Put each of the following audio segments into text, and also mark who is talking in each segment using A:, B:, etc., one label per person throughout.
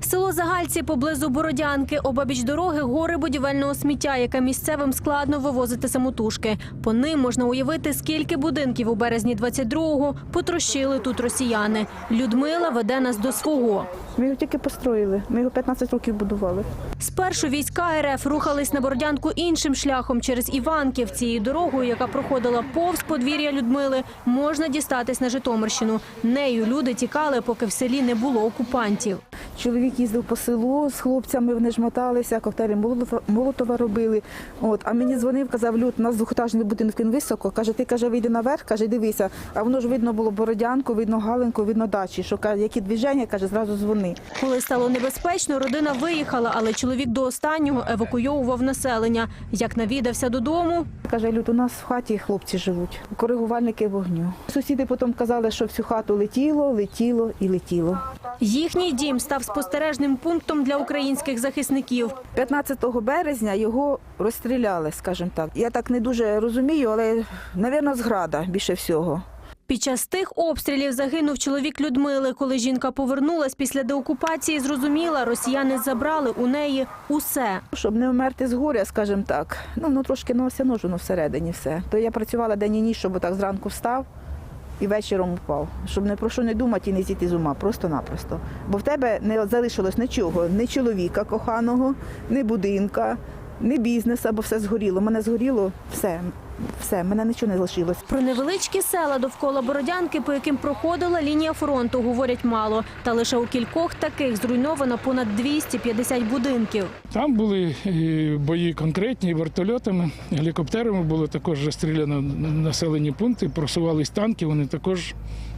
A: Село Загальці поблизу Бородянки. Обабіч дороги гори будівельного сміття, яке місцевим складно вивозити самотужки. По ним можна уявити, скільки будинків у березні 22-го потрощили тут росіяни. Людмила веде нас до свого.
B: Ми його тільки построїли. Ми його 15 років будували.
A: Спершу війська РФ рухались на Бородянку іншим шляхом через Іванків. Цією дорогою, яка проходила повз подвір'я Людмили, можна дістатись на Житомирщину. Нею люди тікали, поки в селі не було окупантів.
B: Чоловік їздив по селу з хлопцями, вони ж моталися, коктейлі Молотова робили. А мені дзвонив, казав: Люд, у нас двохетажний будинок, він високо. Каже, ти, каже, вийди наверх, каже, дивися. А воно ж видно було Бородянку, видно Галинку, видно дачі. Що, каже, які движення, каже, зразу дзвони.
A: Коли стало небезпечно, родина виїхала, але чоловік до останнього евакуйовував населення. Як навідався додому,
B: каже: Люд, у нас в хаті хлопці живуть, коригувальники вогню. Сусіди потім казали, що всю хату летіло, летіло і летіло.
A: Їхній дім став спостережним пунктом для українських захисників.
B: 15 березня його розстріляли, скажімо так. Я так не дуже розумію, але, мабуть, з града більше всього.
A: Під час тих обстрілів загинув чоловік Людмили. Коли жінка повернулась після деокупації, зрозуміла, росіяни забрали у неї усе.
B: Щоб не вмерти з горя, скажімо так, воно трошки все ножено всередині все. То я працювала день і ніч, щоб отак зранку встав і вечором упав. Щоб не про що не думати і не зійти з ума, просто-напросто. Бо в тебе не залишилось нічого, ні чоловіка коханого, ні будинка, ні бізнесу, бо все згоріло. Мене згоріло все, мене нічого не залишилось.
A: Про невеличкі села довкола Бородянки, по яким проходила лінія фронту, говорять мало. Та лише у кількох таких зруйновано понад 250 будинків.
C: Там були бої конкретні, вертольотами, гелікоптерами було також розстріляно населені пункти, просувались танки, вони також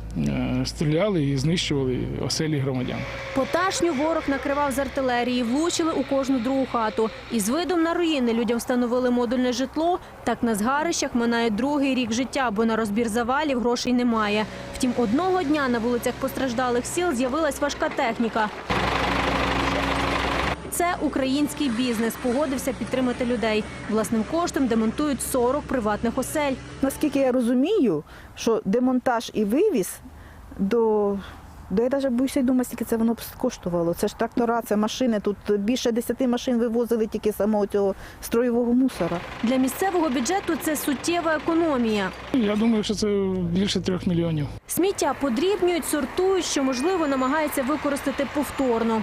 C: стріляли і знищували оселі громадян.
A: Поташню ворог накривав з артилерії, влучили у кожну другу хату. І з видом на руїни людям встановили модульне житло. Так на згарищах минає другий рік життя, бо на розбір завалів грошей немає. Втім, одного дня на вулицях постраждалих сіл з'явилась важка техніка. Це український бізнес погодився підтримати людей. Власним коштом демонтують 40 приватних осель.
B: Наскільки я розумію, що демонтаж і вивіз я навіть боюся й думати, скільки це воно б коштувало. Це ж трактора, це машини. Тут більше 10 машин вивозили тільки самого цього строєвого мусора.
A: Для місцевого бюджету це суттєва економія.
C: Я думаю, що це більше 3 мільйонів.
A: Сміття подрібнюють, сортують, що, можливо, намагаються використати повторно.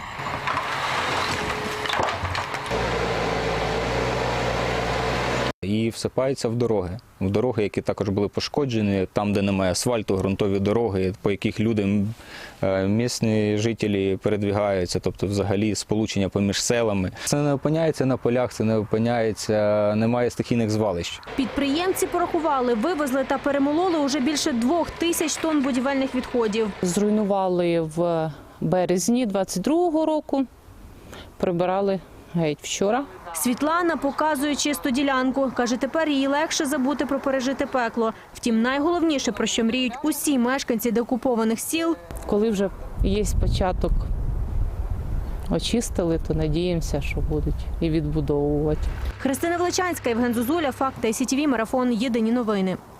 D: І всипаються в дороги, які також були пошкоджені, там, де немає асфальту, ґрунтові дороги, по яких люди, місцеві жителі передвігаються, тобто взагалі сполучення поміж селами. Це не опиняється на полях, це не опиняється, немає стихійних звалищ.
A: Підприємці порахували, вивезли та перемололи уже більше 2000 тонн будівельних відходів.
E: Зруйнували в березні 22-го року, прибирали геть вчора.
A: Світлана показує чисту ділянку. Каже, тепер їй легше забути про пережите пекло. Втім, найголовніше, про що мріють усі мешканці деокупованих сіл.
E: Коли вже є початок, очистили, то надіємося, що будуть і відбудовувати.
A: Христина Величанська, Євген Зозуля, Факти, СІТВ, Марафон, Єдині новини.